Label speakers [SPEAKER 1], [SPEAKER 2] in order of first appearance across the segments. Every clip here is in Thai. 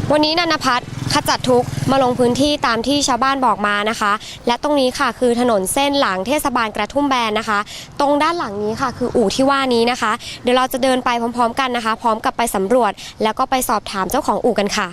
[SPEAKER 1] วันนี้นันภัทรขจัดทุกข์มาลงพื้นที่ตามที่ชาวบ้านบอกมานะคะและตรงนี้ค่ะคือถนนเส้นหลังเทศบาลกระทุ่มแบนนะคะตรงด้านหลังนี้ค่ะคืออู่ที่ว่านี้นะคะเดี๋ยวเราจะเดินไปพร้อมๆกันนะคะพร้อมกับไปสำรวจแล้วก็ไปสอบถามเจ้าของอู่กันค่ะ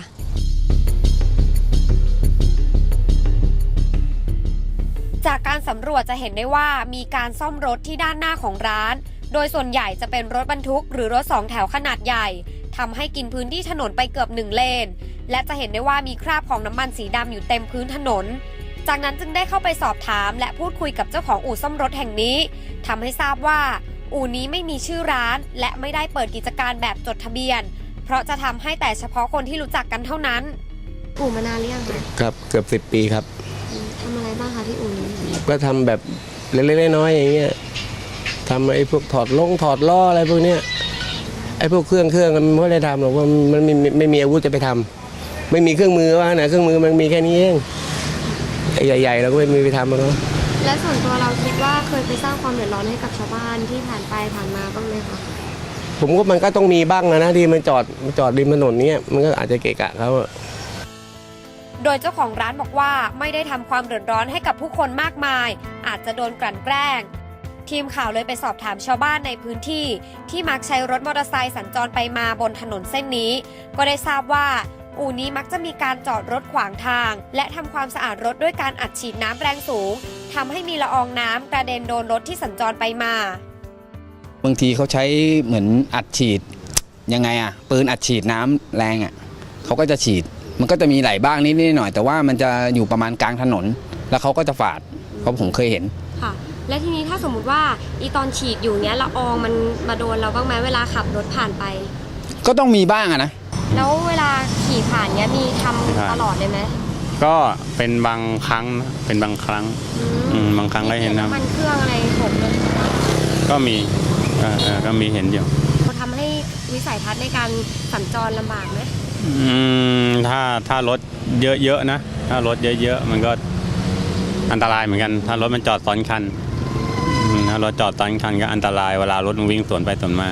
[SPEAKER 1] จากการสำรวจจะเห็นได้ว่ามีการซ่อมรถที่ด้านหน้าของร้านโดยส่วนใหญ่จะเป็นรถบรรทุกหรือรถ2แถวขนาดใหญ่ทำให้กินพื้นที่ถนนไปเกือบ1เลนและจะเห็นได้ว่ามีคราบของน้ำมันสีดำอยู่เต็มพื้นถนนจากนั้นจึงได้เข้าไปสอบถามและพูดคุยกับเจ้าของอู่ซ่อมรถแห่งนี้ทำให้ทราบว่าอู่นี้ไม่มีชื่อร้านและไม่ได้เปิดกิจการแบบจดทะเบียนเพราะจะทำให้แต่เฉพาะคนที่รู้จักกันเท่านั้นอู่มานานหรือยังคะ
[SPEAKER 2] ครับเกือบ10 ปีครับ
[SPEAKER 1] ทำอะไรบ้างคะที่อู่นี้
[SPEAKER 2] ก็ทำแบบเล็กๆน้อยๆอย่างเงี้ยทำไอ้พวกถอดล้ออะไรพวกเนี้ยไอ้พวกเครื่องมันไม่ได้ทำหรอกว่ามันไม่มีอาวุธจะไปทำไม่มีเครื่องมือว่าไหนเครื่องมือมันมีแค่นี้เองไอ้ใหญ่ๆเราก็ไม่มีไปทำมันเนาะ
[SPEAKER 1] และส่วนตัวเราคิดว่าเคยไปสร้างความเดือดร้อนให้กับชาวบ้านที่ผ่านไปผ่านมาบ้างไหมคะ
[SPEAKER 2] ผมก็มันก็ต้องมีบ้างนะที่มันจอดริมถนนเนี้ยมันก็อาจจะเกะกะเขา
[SPEAKER 1] โดยเจ้าของร้านบอกว่าไม่ได้ทำความเดือดร้อนให้กับผู้คนมากมายอาจจะโดนกลั่นแกล้งทีมข่าวเลยไปสอบถามชาวบ้านในพื้นที่ที่มักใช้รถมอเตอร์ไซค์สัญจรไปมาบนถนนเส้นนี้ก็ได้ทราบว่าอู่นี้มักจะมีการจอดรถขวางทางและทำความสะอาดรถด้วยการอัดฉีดน้ำแรงสูงทำให้มีละอองน้ำกระเด็นโดนรถที่สัญจรไปมา
[SPEAKER 3] บางทีเขาใช้เหมือนอัดฉีดยังไงอะปืนอัดฉีดน้ำแรงอะเขาก็จะฉีดมันก็จะมีไหลบ้างนิดหน่อยแต่ว่ามันจะอยู่ประมาณกลางถนนแล้วเขาก็จะฝาดเพราะผมเคยเห็น
[SPEAKER 1] ค่ะและทีนี้ถ้าสมมุติว่าอีตอนฉีดอยู่เนี้ยละอองมันมาโดนเราบ้างไหมเวลาขับรถผ่านไป
[SPEAKER 3] ก็ต้องมีบ้างอะนะ
[SPEAKER 1] แล้วเวลาขี่ผ่านเนี้ยมีทำตลอดเลยไหม
[SPEAKER 4] ก็เป็นบางครั้งเป็นบางครั้งบางครั้งก็เห็นนะ
[SPEAKER 1] มันเครื่องอะไรหกเลย
[SPEAKER 4] ก็มีเห็นอยู่
[SPEAKER 1] เขาทำให้วิสัยทัศน์ในการสัญจรลำบากไหม
[SPEAKER 4] ถ้ารถเยอะๆนะถ้ารถเยอะๆมันก็อันตรายเหมือนกันถ้ารถมันจอดซ้อนคันถ้ารถจอดซ้อนคันก็อันตรายเวลารถมันวิ่งสวนไปสวนม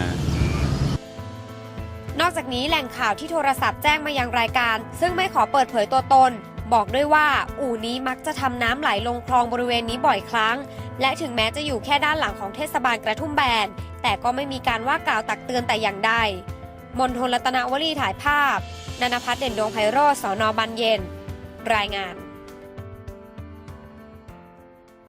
[SPEAKER 1] านอกจากนี้แหล่งข่าวที่โทรศัพท์แจ้งมายังรายการซึ่งไม่ขอเปิดเผยตัวตนบอกด้วยว่าอู่นี้มักจะทำน้ำไหลลงคลองบริเวณนี้บ่อยครั้งและถึงแม้จะอยู่แค่ด้านหลังของเทศบาลกระทุ่มแบนแต่ก็ไม่มีการว่ากล่าวตักเตือนแต่อย่างใดมณฑลรัตนวลีถ่ายภาพนันภัทร เด่นดวงไพโรจน์ สน.บางเย็นรายงาน